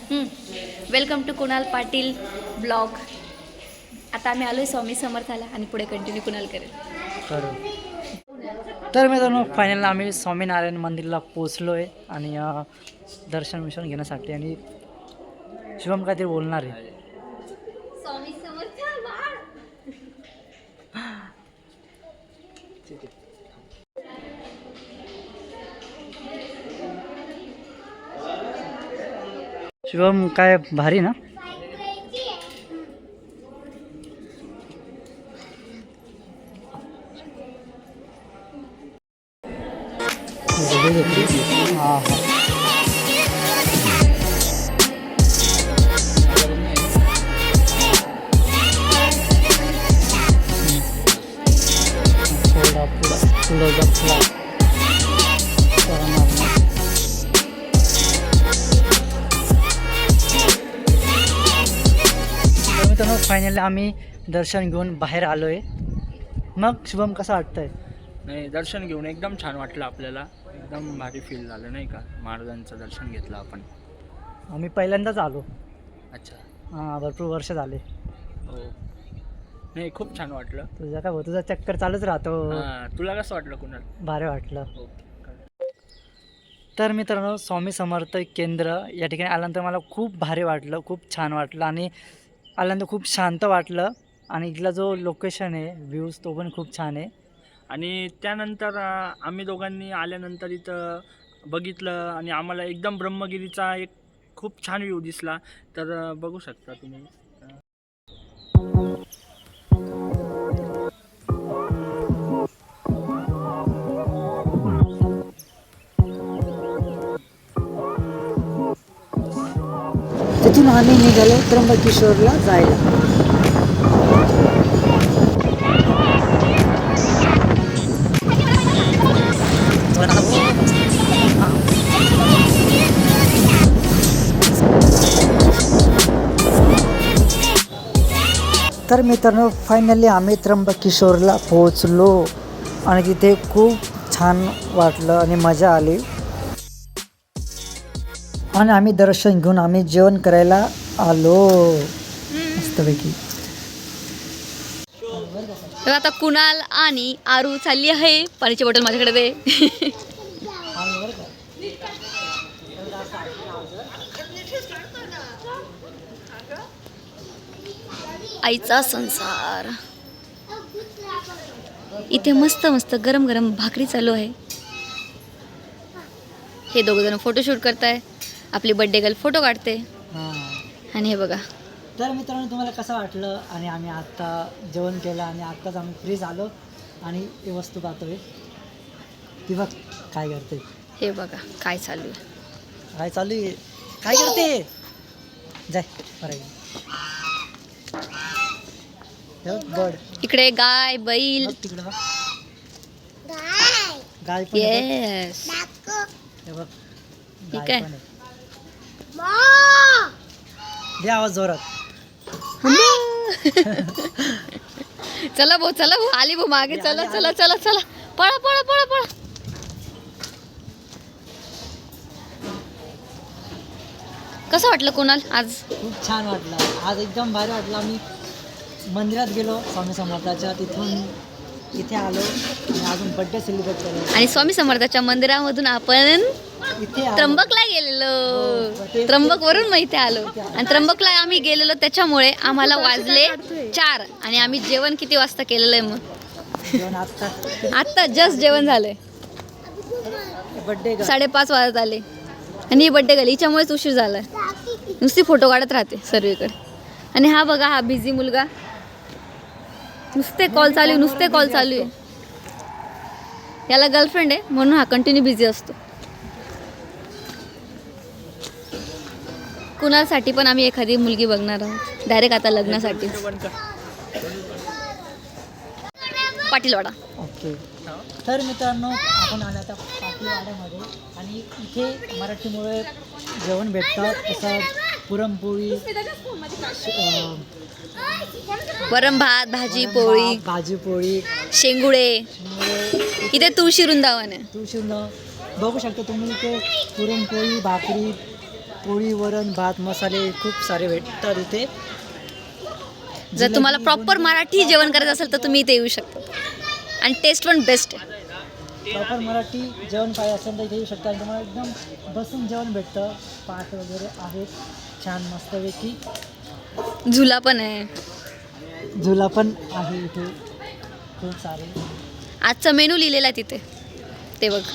Welcome to Kunal Patil blog. आता आम्ही आलो आहे स्वामी समर्थाला आणि पुढे कंटिन्यू कुणाल करेल. तर मित्रांनो फायनल आम्ही स्वामीनारायण मंदिरला पोचलो आहे आणि दर्शन मिशन घेण्यासाठी आणि शुभम काहीतरी बोलणार आहे. स्वामी समर्थ शुभम काय भारी ना. हां हां मित्रांनो फायनली आम्ही दर्शन घेऊन बाहेर आलो आहे. मग शुभम कसं वाटतंय? नाही, दर्शन घेऊन एकदम छान वाटलं आपल्याला. एकदम भारी फील झालं नाही का. महाराजांचं दर्शन घेतलं आपण. आम्ही पहिल्यांदाच आलो. अच्छा. हां भरपूर वर्ष झाले. हो, नाही खूप छान वाटलं. तुझा काय तुझा चक्कर चालूच राहतो. तुला कसं वाटलं कुणाल? भारी वाटलं. हो. तर मित्रांनो स्वामी समर्थ केंद्र या ठिकाणी आल्यानंतर मला खूप भारी वाटलं, खूप छान वाटलं आणि आल्यानंतर खूप शांत वाटलं आणि इथला जो लोकेशन आहे व्ह्यूज तो पण खूप छान आहे. आणि त्यानंतर आम्ही दोघांनी आल्यानंतर इथं बघितलं आणि आम्हाला एकदम ब्रह्मगिरीचा एक खूप छान व्ह्यू दिसला. तर बघू शकता तुम्ही. तिथून आम्ही निघालो त्र्यंबकेश्वरला जायला. तर मित्रांनो फायनली आम्ही त्र्यंबकेश्वरला पोहोचलो आणि तिथे खूप छान वाटलं आणि मजा आली आणि आम्ही दर्शन घेऊन आम्ही जेवण करायला आलो मस्तपैकी. तर आता कुणाल आणि आरू चालली आहे. पाण्याची बॉटल माझ्याकडे दे. आईचा संसार. इथे मस्त मस्त गरम गरम भाकरी चालू आहे. हे दोघ जण फोटोशूट करताय. आपली बर्थडे गर्ल फोटो काढते. आणि हे बघा. तर मित्रांनो तुम्हाला कसं वाटलं आणि आम्ही आत्ता जेवण केलं आणि आत्ताच आम्ही फ्री झालो आणि ही वस्तू पाहतोय ती बघ काय करते. हे बघा काय चालू आहे. काय चालू आहे काय करते जाय बरं बड इकडे गाय बैल. तिकडे बघ गाय पण आहे येस. बघ. हे बघ ठीक गाय आहे. पण आहे. दे आवाज जोरात. चला भाऊ आली भाऊ मागे. चला चला चला चला पळा पळा पळा पळा. कसं वाटलं कुणाल आज? खूप छान वाटलं आज एकदम भारी वाटलं. आम्ही मंदिरात गेलो स्वामी समर्थाच्या तिथून इथे आलो आणि अजून बड्डे सेलिब्रेट केलो आणि स्वामी समर्थाच्या मंदिरामधून आपण इथे त्र्यंबकला गेलेलो. त्र्यंबक वरून मग इथे आलो आणि त्र्यंबकला आम्ही गेलेलो त्याच्यामुळे आम्हाला वाजले 4 आणि आम्ही जेवण किती वाजता केलेलं आहे मग? जेवण आत्ता जस्ट जेवण झालंय. बड्डे 5:30 वाजत आले आणि ही बड्डे गेली. हिच्यामुळेच उशीर झालाय. नुसती फोटो काढत राहते सर्वीकडे. आणि हा बघा हा बिझी मुलगा. नुसते कॉल चालू आहे. याला गर्लफ्रेंड आहे म्हणून हा कंटिन्यू बिझी असतो. कुणासाठी पण आम्ही एखादी मुलगी बघणार आहोत डायरेक्ट आता लग्नासाठी. पाटीलवाडा. ओके. तर मित्रांनो आपण आलो आता पाटीलवाड्यामध्ये आणि इथे मराठीमुळे जेवण भेटतं. तसं पुरणपोळी वरण भात भाजी पोळी शेंगुळे. इथे तुळशी वृंदावन आहे. तुळशी बघू शकता तुम्ही इथे पुरणपोळी भाकरी पोळी वरण भात मसाले खूप सारे भेटतात इथे. जर तुम्हाला प्रॉपर मराठी जेवण करायचं असेल तर तुम्ही इथे येऊ शकता आणि टेस्ट पण बेस्ट आहे. प्रॉपर मराठी जेवण पाहिजे असेल तर इथे येऊ शकता आणि तुम्हाला एकदम बसून जेवण भेटतं. पाट वगैरे आहेत छान मस्तपैकी. झुला पण आहे. झुला पण आहे इथे खूप सारे. आजचा मेनू लिहिलेला आहे तिथे ते बघ.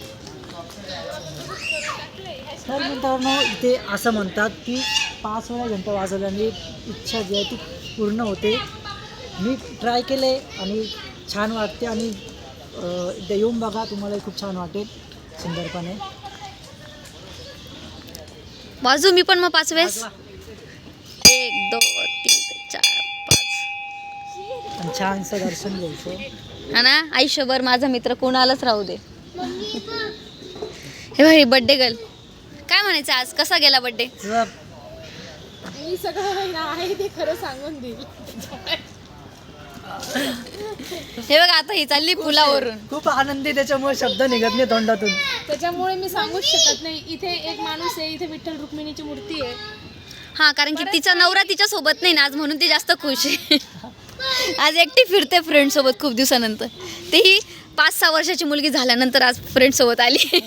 तर मित्रांनो इथे असं म्हणतात की 5 वेळा घंटा वाजवल्याने इच्छा जी आहे ती पूर्ण होते. मी ट्राय केले आणि छान वाटते आणि एकदा येऊन बघा तुम्हालाही खूप छान वाटेल सुंदरपणे. वाजू मी पण मग 5 वेळेस. 1 2 3 4 5 आणि छानसं दर्शन घ्यायचं. हा ना. आयुष्यभर माझा मित्र कोणालाच राहू दे. हे भाई बर्थडे गर्ल काय म्हणायचं आज कसा गेला बर्थडे. तुझा मी सगळं आहे ते खरं सांगून देईल. हे बघ आता ही चालली पुलावरून. खूप आनंदी त्याच्यामुळे शब्द निघत नाही तोंडातून. त्याच्यामुळे मी सांगूच शकत नाही. इथे एक माणूस आहे, इथे विठ्ठल रुक्मिणीची मूर्ती आहे. हा कारण की तिचा नवरा तिच्या सोबत नाही ना आज म्हणून ती जास्त खुश आहे. आज एकटी फिरते फ्रेंड सोबत खूप दिवसानंतर. तेही 5-6 वर्षाची मुलगी झाल्यानंतर आज फ्रेंड सोबत आली.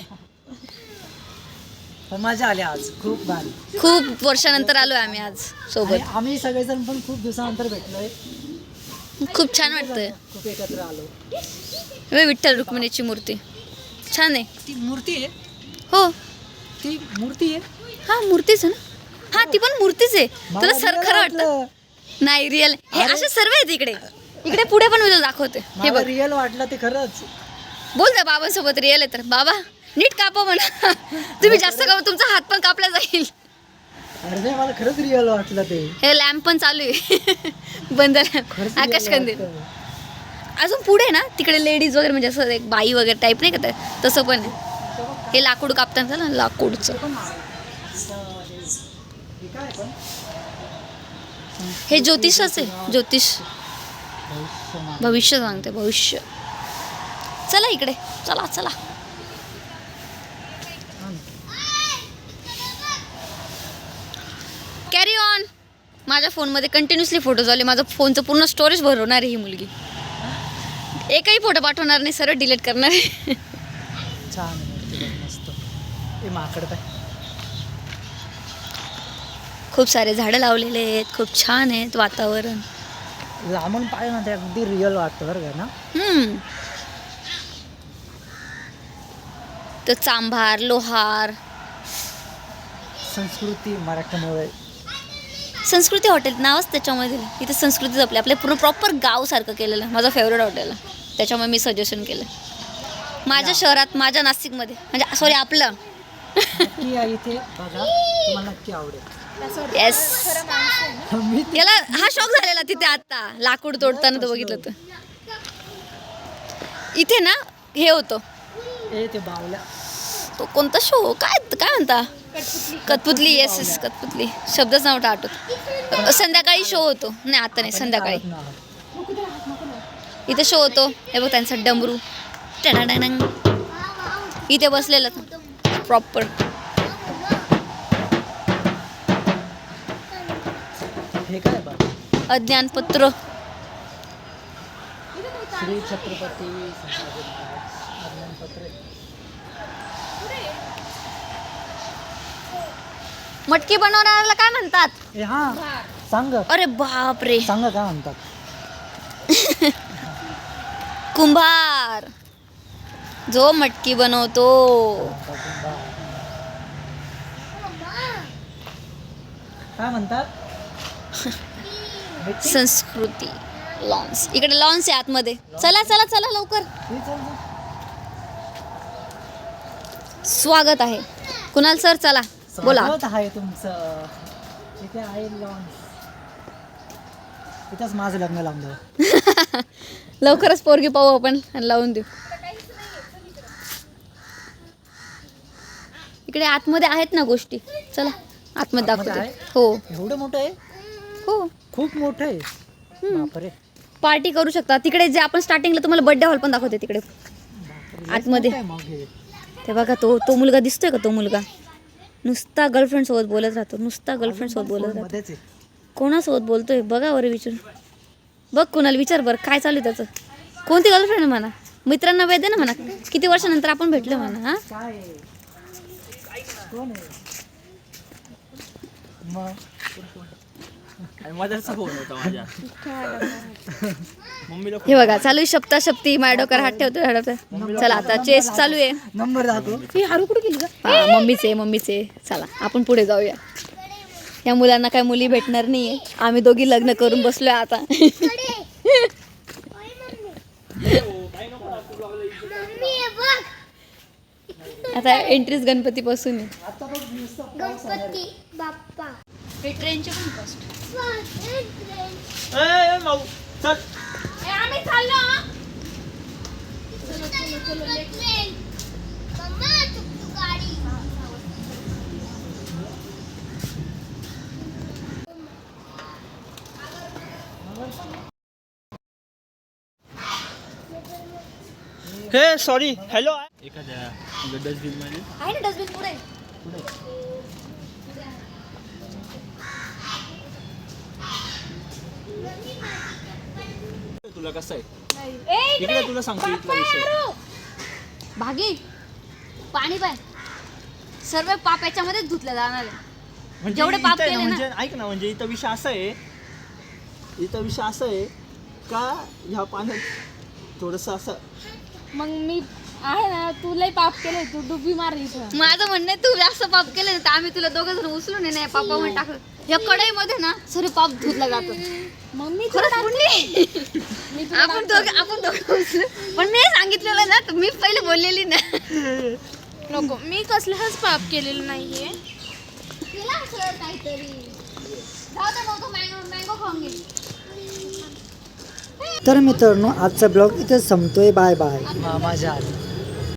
पण मजा आली आज खूप भारी. खूप वर्षानंतर आलोय आम्ही आज आणि सोबत. आम्ही सगळेजण पण खूप दिवसानंतर भेटलोय. खूप छान वाटतंय. खूप एकत्र आलो. हे विठ्ठल रुक्मिणीची मूर्ती छान आहे. ती मूर्ती आहे. हो ती मूर्ती आहे. हा मूर्तीच आहे ना. हा ती पण मूर्तीच आहे. मला तुला सर real खरं वाटतं. नाही रिअल हे असे सर्व आहेत इकडे. इकडे पुढे पण मी तुला दाखवते. हे मला बघ रिअल वाटलं ते खरंच. बोल जा बाबांसोबत रिअल आहे तर बाबा नीट कापा म्हणा. तुम्ही जास्त कापा तुमचा हात पण कापला जाईल. अरे नाही मला खरंच रिअल वाटलं ते. हे लॅम्प पण चालू आहे. बंद लॅम्प खरंच real आकाश कंदील. वाटतं. अजून पुढे ना तिकडे लेडीज वगैरे म्हणजे असं एक बाई वगैरे टाईप नाही का ते तसं पण आहे. हे लाकूड कापताना ना लाकूडचं. हे काय पण हे ज्योतिषच आहे. ज्योतिष भविष्य सांगते भविष्य. चला इकडे चला चला. Carry on. माझ्या फोनमध्ये कंटिन्युअसली फोटोज आले. माझं फोनचं पूर्ण स्टोरेज भरवणार आहे ही मुलगी. एकही फोटो पाठवणार नाही सरळ डिलीट करणार आहे. छान आहे मस्त. हे माकड काय खूप सारे झाडं लावलेले आहेत. खूप छान आहेत वातावरण. लांबून पाहिजे ना ते अगदी रिअल वाटतं बरं का ना. तो चांभार लोहार संस्कृती मराठीमुळे. संस्कृती हॉटेल नावच त्याच्यामुळे दिलं. इथे संस्कृती जपली. आपल्या पूर्ण प्रॉपर गावसारखं केलेलं. माझं फेवरेट हॉटेल आहे त्याच्यामुळे मी सजेशन केलं. माझ्या शहरात माझ्या नाशिकमध्ये म्हणजे सॉरी आपलं. नक्की या इथे बघा तुम्हाला नक्की आवडेल. येस. मी याला हा शॉक झालेला तिथे आता लाकूड तोडताना तो बघितलं तर. इथे ना हे होतं ते बावल्या तो कोणता शो काय काय म्हणता कठपुतली. येस येस कठपुतली शब्दच नव्हता आठवत. संध्याकाळी शो होतो. नाही आता नाही संध्याकाळी इथे शो होतो. हे बघ त्यांचा डमरू टणाडणंग इथे बसलेलं प्रॉपर. हे काय बघ अज्ञानपत्र. श्री छत्रपती अज्ञानपत्र. मटकी बनवणाऱ्याला काय म्हणतात. ए हा सांग अरे बाप रे. सांग काय म्हणतात. कुंभार जो मटकी बनवतो. काय म्हणतात. संस्कृती लॉन्स. इकडे लॉन्स आहे आतमध्ये. चला चला चला लवकर. स्वागत आहे कुणाल सर. चला बोला. स्वागत आहे तुमचं. इथे आहे लॉन्स. इथंच माझं लग्न लावलं. लवकरच पोरगी पाहू आपण आणि लावून देऊ. इकडे आतमध्ये आहेत ना गोष्टी. चला आतमध्ये आतमध्ये दाखवते. आहे? हो एवढं मोठं आहे. हो खूप मोठं आहे. बापरे. पार्टी करू शकता. तिकडे जे आपण स्टार्टिंगला तुम्हाला बर्थडे हॉल पण दाखवते तिकडे बापरे, लयच आतमध्ये. मोठं आहे मग हे. ते बघा तो मुलगा दिसतोय का. तो मुलगा नुसता गर्लफ्रेंड सोबत बोलत राहतो, नुसता गर्लफ्रेंड सोबत बोलत राहतो. मध्येच आहे. कोणासोबत बोलतोय बघा बरं विचार. बघ कुणाला विचार बरं काय चालू आहे त्याचं. कोणती गर्लफ्रेंड म्हणा, मित्रांना वेळ दे ना म्हणा, किती वर्षानंतर आपण भेटलो म्हणा. हा काय आहे? कोण आहे मग? मदरचा फोन होता माझ्या मम्मीला हे बघा चालू आहे शब्दाशब्दी, माझ्या डोक्यावर हात ठेवतोय. चला आता चेस चालू आहे. नंबर दाखव. ही हारू कुठे गेली का? मम्मीचे चला आपण पुढे जाऊया. या मुलांना काय मुली भेटणार नाहीये, आम्ही दोघी लग्न करून बसलोय आता. आता एंट्रीज गणपती पासून आहे. गणपती बाप्पा हे ट्रेनचे पण कॉस्ट. भाऊ चल आम्ही चाललो. ट्रेन मम्मा टुकटुक गाडी हे सॉरी हॅलो एखाद्या डस्टबिन मध्ये आहे ना डस्टबिन पुढे. तुला कसं आहे इकडे तुला सांगतो इथला विषय भागी पाणी पाय. सर्व पाप याच्यामध्येच धुतलं जाणार आहे. म्हणजे जेवढे पाप इथं आहे केले ना, ना. म्हणजे ऐक ना म्हणजे इथं विषय असा आहे का ह्या पाण्यात थोडस असं मग मी आहे ना, तू लय पाप केलंय, तू डुबी मार इथं. माझं म्हणणं आहे, तू जास्त पाप केले तर आम्ही तुला दोघं जण उचलून आहे ना पापामध्ये टाकलं. या कढईमध्ये ना सर्व पाप धुतलं जातं. मग मी खरंच पुण्य. मी तुला आपण दोघं उचलू. पण मी सांगितलेलं ना, तर मी पहिले बोललेली ना. नको, मी कसलंच पाप केलेलं नाहीये. केला सर काहीतरी. जाऊ दे भाऊ, तो मँगो खाऊन घे. तर मित्रांनो आजचा ब्लॉग इथे संपतोय. Bye bye. माझ्या